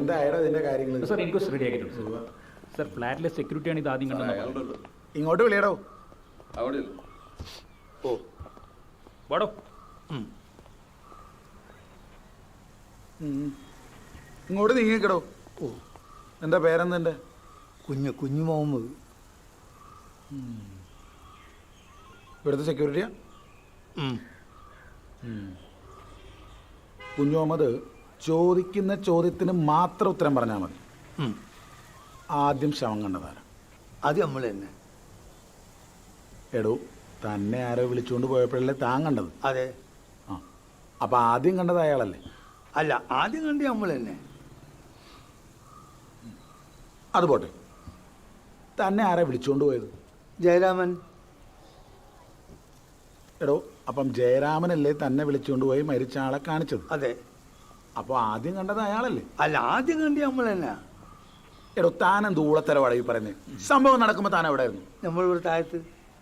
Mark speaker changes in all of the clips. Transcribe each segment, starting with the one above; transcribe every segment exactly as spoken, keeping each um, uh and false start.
Speaker 1: എന്തായാലും ഇതിന്റെ കാര്യങ്ങൾ
Speaker 2: സാർ ഇൻക്വസ്റ്റ് റെഡി ആക്കിയിട്ടുണ്ട് സാർ. ഫ്ലാറ്റിലെ സെക്യൂരിറ്റിയാണ് ഇത് ആദ്യം കണ്ടത്.
Speaker 1: ഇങ്ങോട്ട് വിളിയടോ.
Speaker 3: അവിടെ
Speaker 2: ഓ വാടോ.
Speaker 1: ഇങ്ങോട്ട് നീങ്ങിക്കടോ. ഓ എന്താ പേരെന്തെൻ്റെ?
Speaker 4: കുഞ്ഞു കുഞ്ഞു മുഹമ്മദ്.
Speaker 1: ഇവിടുത്തെ സെക്യൂരിറ്റിയാ? കുഞ്ഞു മുഹമ്മദ്, ചോദിക്കുന്ന ചോദ്യത്തിന് മാത്രം ഉത്തരം പറഞ്ഞാൽ മതി. ആദ്യം ശവം കണ്ടതാരാ?
Speaker 4: അത് നമ്മൾ തന്നെ.
Speaker 1: എടോ, തന്നെ ആരോ വിളിച്ചുകൊണ്ട് പോയപ്പോഴല്ലേ താൻ കണ്ടത്?
Speaker 4: അതെ.
Speaker 1: ആ അപ്പം ആദ്യം കണ്ടത് അയാളല്ലേ?
Speaker 4: അല്ല, ആദ്യം കണ്ടി നമ്മൾ തന്നെ.
Speaker 1: അത് പോട്ടെ, തന്നെ ആരാ വിളിച്ചുകൊണ്ട് പോയത്?
Speaker 4: ജയരാമൻ.
Speaker 1: എടോ, അപ്പം ജയരാമനല്ലേ തന്നെ വിളിച്ചുകൊണ്ട് പോയി മരിച്ച ആളെ കാണിച്ചത്?
Speaker 4: അതെ.
Speaker 1: അപ്പോൾ ആദ്യം കണ്ടത് അയാളല്ലേ?
Speaker 4: അല്ല, ആദ്യം കണ്ടി നമ്മൾ തന്നെ.
Speaker 1: എടോ, താൻ എന്ത് ഊളത്തരവാടാ ഈ പറയുന്നത്? സംഭവം നടക്കുമ്പോൾ താൻ എവിടെ ആയിരുന്നു?
Speaker 4: നമ്മളിവിടെ താഴത്ത്.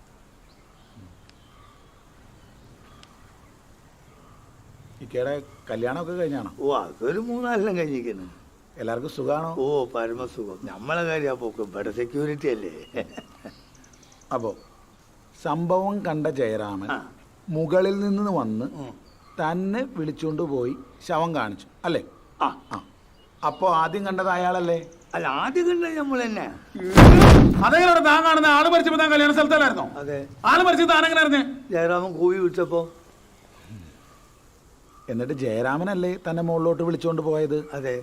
Speaker 1: ഇക്കയുടെ കല്യാണമൊക്കെ കഴിഞ്ഞാണോ?
Speaker 4: ഓ, അതൊരു മൂന്നാലെല്ലാം കഴിഞ്ഞിരിക്കുന്നു.
Speaker 1: എല്ലാവർക്കും സുഖമാണോ?
Speaker 4: ഓ, പരമസുഖം. നമ്മളെ കാര്യം പോക്ക് ഇവിടെ സെക്യൂരിറ്റി അല്ലേ.
Speaker 1: അപ്പോൾ സംഭവം കണ്ട ജയരാമൻ മുകളിൽ നിന്ന് വന്ന് തന്നെ വിളിച്ചുകൊണ്ട് പോയി ശവം കാണിച്ചു അല്ലേ?
Speaker 4: ആ
Speaker 1: ആ അപ്പോൾ ആദ്യം കണ്ടത് അയാളല്ലേ?
Speaker 4: അല്ല, ആദ്യം കണ്ടത് നമ്മൾ തന്നെ.
Speaker 1: അതെങ്ങനെ താൻ കാണുന്ന ആള് മരിച്ചപ്പോ താൻ കല്യാണ സ്ഥലത്തല്ലായിരുന്നോ?
Speaker 4: അതെ.
Speaker 1: ആള് മരിച്ചത് താൻ എങ്ങനെ അറിഞ്ഞേ?
Speaker 4: ജയരാമൻ കൂവി വിളിച്ചപ്പോ.
Speaker 1: എന്നിട്ട് ജയരാമനല്ലേ തന്നെ മുകളിലോട്ട് വിളിച്ചുകൊണ്ട് പോയത്?
Speaker 4: അതെ.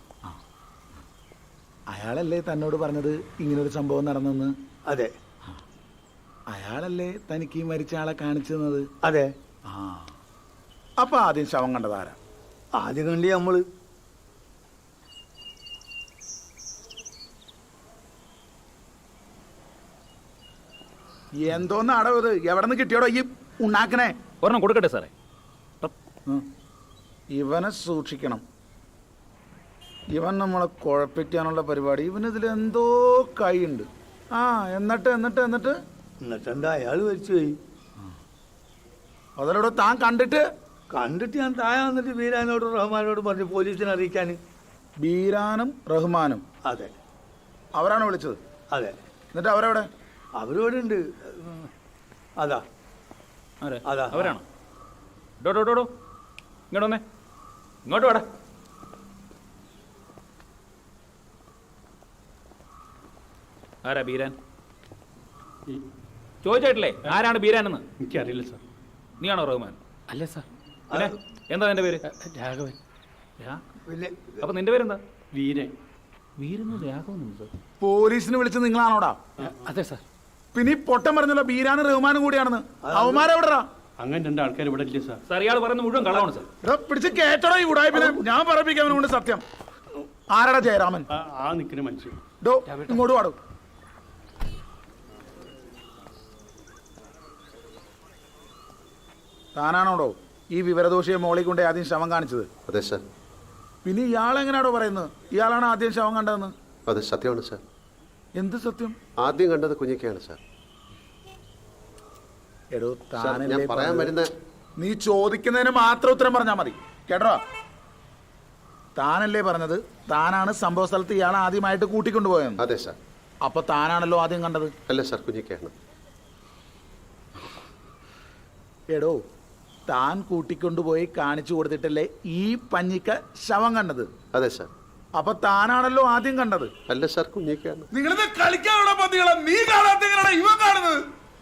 Speaker 1: അയാളല്ലേ തന്നോട് പറഞ്ഞത് ഇങ്ങനൊരു സംഭവം നടന്നെന്ന്?
Speaker 4: അതെ.
Speaker 1: അയാളല്ലേ തനിക്ക് ഈ മരിച്ച ആളെ കാണിച്ചു തന്നത്?
Speaker 4: അതെ.
Speaker 1: ആ അപ്പൊ ആദ്യം ശവം കണ്ടതാരാ?
Speaker 4: ആദ്യം കണ്ടി നമ്മള്.
Speaker 1: എന്തോന്ന് അടവ് ഇത്? എവിടെ നിന്ന് കിട്ടിയോടോ ഈ ഉണ്ടാക്കണേ?
Speaker 2: ഒരെണ്ണം കൊടുക്കട്ടെ സാറേ.
Speaker 1: ഇവനെ സൂക്ഷിക്കണം. ഇവൻ നമ്മളെ കുഴപ്പിക്കാനുള്ള പരിപാടി. ഇവനിതിൽ എന്തോ കൈയുണ്ട്. ആ എന്നിട്ട് എന്നിട്ട് എന്നിട്ട്
Speaker 4: എന്നിട്ടെന്താ, അയാൾ മരിച്ചു പോയി.
Speaker 1: അതിലൂടെ താൻ കണ്ടിട്ട്?
Speaker 4: കണ്ടിട്ട് ഞാൻ താഴെ വന്നിട്ട് ബീരാനോടും റഹ്മാനോടും പറഞ്ഞു പോലീസിനെ അറിയിക്കാൻ.
Speaker 1: ബീരാനും റഹ്മാനും?
Speaker 4: അതെ.
Speaker 1: അവരാണ് വിളിച്ചത്?
Speaker 4: അതെ.
Speaker 1: എന്നിട്ട് അവരെവിടെ?
Speaker 4: അവരോട് ഉണ്ട്. അതാ അതാ
Speaker 2: അവരാണോ? ഡോ ഡോ ഡോ ഡോ ഇങ്ങോട്ട് വന്നേ, ഇങ്ങോട്ട് വേടാ. ആരാ ബീരാൻ? ചോദിച്ചിട്ടില്ലേ ആരാണ് ബീരാൻ എന്ന്?
Speaker 5: എനിക്കറിയില്ല സാർ.
Speaker 2: നീയാണോ റഹ്മാൻ?
Speaker 5: അല്ല സാർ.
Speaker 2: പിന്നെ എന്താ നിന്റെ പേര്?
Speaker 5: രാഘവൻ.
Speaker 2: അപ്പൊ നിന്റെ പേരെന്താ?
Speaker 5: വീരൻ.
Speaker 2: വീരെന്ന് രാഘവൻ?
Speaker 1: പോലീസിന് വിളിച്ച് നിങ്ങളാണോടാ?
Speaker 5: അതെ സാർ.
Speaker 1: പിന്നെ ഈ പൊട്ടം പറഞ്ഞല്ലോ ബീരാനും റഹ്മാനും കൂടിയാണെന്ന്. അവന്മാരെവിടാ?
Speaker 5: അങ്ങനെ രണ്ട് ആൾക്കാർ ഇവിടെ ഇല്ല സാർ.
Speaker 2: സാർ ഇയാൾ പറയുന്നത് മുഴുവൻ കള്ളമാണ് സാർ.
Speaker 1: പിടിച്ച് കേട്ടടോ ഈ ഉടായ്പിനെ. ഞാൻ പറപ്പിക്കാൻ കൊണ്ട് സത്യം. ആരാടാ ജയരാമൻ?
Speaker 5: ആ നിൽക്കുന്ന മനുഷ്യൻ.
Speaker 1: ഡോ ഇങ്ങോട്ട് പാടും. താനാണോടോ ഈ വിവരദോഷിയെ മോളിൽ കൊണ്ട് ആദ്യം ശവം കാണിച്ചത്?
Speaker 3: അതെ സാർ.
Speaker 1: പിന്നെ ഇയാളെങ്ങനെയാണോ പറയുന്നത് ഇയാളാണ് ആദ്യം ശവം കണ്ടതെന്ന്?
Speaker 3: അത് സത്യമാണ് സാർ.
Speaker 1: എന്ത് സത്യം?
Speaker 3: ആദ്യം കണ്ടത് കുഞ്ഞിക്കയാണ് സാർ.
Speaker 1: എടോ
Speaker 3: ഞാൻ പറയാൻ വരുന്ന,
Speaker 1: നീ ചോദിക്കുന്നതിന് മാത്രം ഉത്തരം പറഞ്ഞാൽ മതി കേട്ടോ. താനല്ലേ പറഞ്ഞത് താനാണ് സംഭവ സ്ഥലത്ത് ഇയാളെ ആദ്യമായിട്ട് കൂട്ടിക്കൊണ്ടുപോയെന്ന്?
Speaker 3: അതെ സാർ.
Speaker 1: അപ്പൊ താനാണല്ലോ ആദ്യം കണ്ടത്?
Speaker 3: അല്ല സാർ, കുഞ്ഞിക്കയാണ്.
Speaker 1: എടോ, താൻ കൂട്ടിക്കൊണ്ടുപോയി കാണിച്ചു കൊടുത്തിട്ടല്ലേ ഈ പഞ്ഞിക്ക ശവം കണ്ടത്?
Speaker 3: അതെ സാർ.
Speaker 1: അപ്പൊ താനാണല്ലോ ആദ്യം കണ്ടത്?
Speaker 3: അല്ല സാർ, കുഞ്ഞിക്കയാണ്.
Speaker 1: നിങ്ങളിത് കളിക്കാനുള്ള പന്തികളെ നീ കാണാത്ത ഇവ കാണുന്നത്?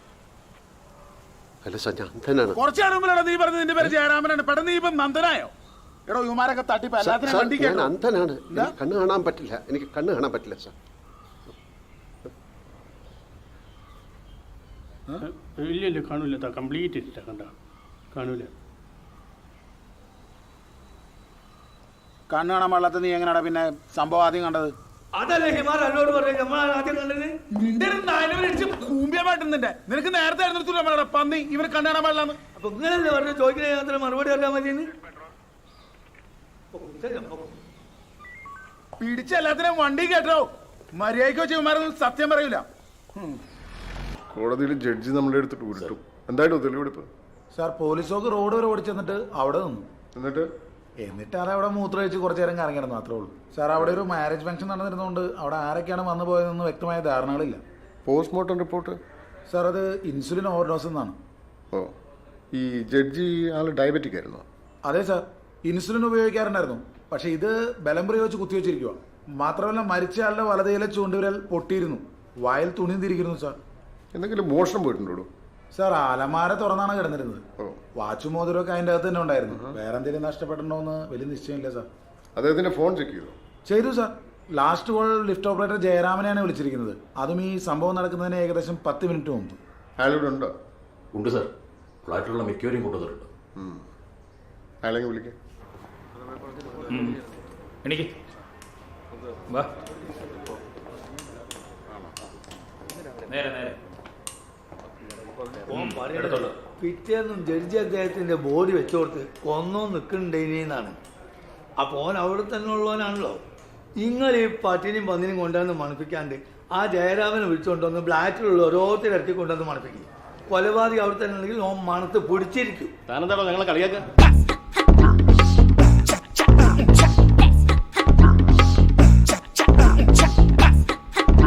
Speaker 3: അല്ല സാർ, ഞാൻ അന്ധനാണ്.
Speaker 1: കുറച്ചാണ് മുമ്പിലാണ് നീ പറഞ്ഞത് നിന്റെ പേര് ജയരാമനാണ്. പെട്ടെന്ന് നീ ഇപ്പം നന്ദനായോ? എടോ ഇവമാരൊക്കെ തട്ടിപ്പ് എല്ലാത്തിനും.
Speaker 3: ഞാൻ അന്ധനാണ്, എനിക്ക് കണ്ണ് കാണാൻ പറ്റില്ല. എനിക്ക് കണ്ണ് കാണാൻ പറ്റില്ല സാർ.
Speaker 5: ഇല്ല ഇല്ല കാണൂല. കംപ്ലീറ്റ് ഇല്ല. കണ്ട കാണൂല.
Speaker 1: കണ്ണ് കാണാൻ പാടില്ലാത്ത നീ എങ്ങനെയാടാ പിന്നെ സംഭവം ആദ്യം കണ്ടത്?
Speaker 4: അതല്ലേ ഹിമാർ എന്നോട് പറഞ്ഞു നമ്മൾ ആദ്യം കണ്ടത്.
Speaker 1: നിന്റെ നിനക്ക് നേരത്തെ ആയിരുന്നു പന്നി ഇവന് കണ്ണ് കാണാൻ പാടില്ലാന്ന്.
Speaker 4: അപ്പൊ ഇങ്ങനല്ലേ പറഞ്ഞു ചോദിക്കുന്ന മറുപടി അറിയാൻ മതിയെന്ന്.
Speaker 1: പിടിച്ച എല്ലാത്തിനും വണ്ടി കേട്ടോ. മര്യാദയ്ക്ക് വെച്ച് ഇവന്മാരൊന്നും സത്യം പറയൂല.
Speaker 6: കോടതിയിൽ ജഡ്ജി നമ്മളെ എടുത്തിട്ട് ഉരുട്ടും. എന്തായാലും തെളിവെടുപ്പ്.
Speaker 1: സാർ പോലീസൊക്കെ റോഡ് വരെ ഓടിച്ചെന്നിട്ട് അവിടെ നിന്നു.
Speaker 6: എന്നിട്ട്
Speaker 1: എന്നിട്ട് അത് അവിടെ മൂത്ര വെച്ച് കുറച്ച് നേരം കറങ്ങിയിരുന്നു മാത്രമേ ഉള്ളൂ സാർ. അവിടെ ഒരു മാരേജ് ഫംഗ്ഷൻ നടന്നിരുന്നതുകൊണ്ട് അവിടെ ആരൊക്കെയാണ് വന്നു പോയതെന്ന് വ്യക്തമായ ധാരണകളില്ല.
Speaker 3: Postmortem report?
Speaker 1: സാർ അത് ഇൻസുലിൻ ഓവർഡോസ് എന്നാണ്.
Speaker 3: ഓ, ഈ ജഡ്ജി ആൾ ഡയബറ്റിക് ആയിരുന്നോ?
Speaker 1: അതെ സാർ, ഇൻസുലിൻ ഉപയോഗിക്കാറുണ്ടായിരുന്നു. പക്ഷെ ഇത് ബലം പ്രയോഗിച്ച് കുത്തിവെച്ചിരിക്കുക. മാത്രമല്ല മരിച്ച ആളുടെ വലതയിലെ ചൂണ്ടുവിരൽ പൊട്ടിയിരുന്നു, വായിൽ തുണി തിരിക്കുന്നു സാർ.
Speaker 3: എന്തെങ്കിലും മോഷണം പോയിട്ടുണ്ടോ?
Speaker 1: സാർ അലമാര തുറന്നാണ് കിടന്നിരുന്നത്.
Speaker 3: ഓ,
Speaker 1: വാച്ചും മോതിരമൊക്കെ അതിൻ്റെ അകത്ത് തന്നെ ഉണ്ടായിരുന്നു. വേറെ എന്തെങ്കിലും നഷ്ടപ്പെട്ടിട്ടുണ്ടോ എന്ന് വലിയ നിശ്ചയമില്ല സാർ.
Speaker 3: അദ്ദേഹത്തിന്റെ ഫോൺ ചെക്ക് ചെയ്തോ?
Speaker 1: ചെയ്തു sir. Last call lift operator ജയരാമനെയാണ് വിളിച്ചിരിക്കുന്നത്. അതും ഈ സംഭവം നടക്കുന്നതിന് ഏകദേശം പത്ത് മിനിറ്റ് മുമ്പ്.
Speaker 3: അയാളിവിടെ ഉണ്ടോ?
Speaker 6: ഉണ്ട് സാർ, ഫ്ലാറ്റിലുള്ള മിക്കവരെയും കൊണ്ടുവന്നിട്ടുണ്ട്.
Speaker 3: അയാളെങ്കിൽ വിളിക്കാം.
Speaker 2: എനിക്ക് വാ, നേരെ നേരെ
Speaker 4: ഓൻ പറയണത്
Speaker 2: എടുത്തോളൂ.
Speaker 4: പിറ്റേന്നും ജഡ്ജി അദ്ദേഹത്തിന്റെ ബോഡി വെച്ചോർത്ത് കൊന്നോ നിൽക്കണ്ടേനാണ്. അപ്പോൾ ഓൻ അവിടെ തന്നെ ഉള്ളവനാണല്ലോ. നിങ്ങൾ ഈ പട്ടിനെയും പന്നിനെയും കൊണ്ടുവന്ന് മണപ്പിക്കാണ്ട് ആ ജയരാമനെ വിളിച്ചുകൊണ്ടുവന്ന് ഫ്ലാറ്റിലുള്ള ഓരോരുത്തർ ഇറക്കി കൊണ്ടുവന്ന് മണപ്പിക്കും. കൊലപാതകം അവിടെ തന്നെ ഉണ്ടെങ്കിൽ ഓൻ മണത്ത് പിടിച്ചിരിക്കും.
Speaker 6: താനെന്താണോ ഞങ്ങളെ കളിയാക്കുക?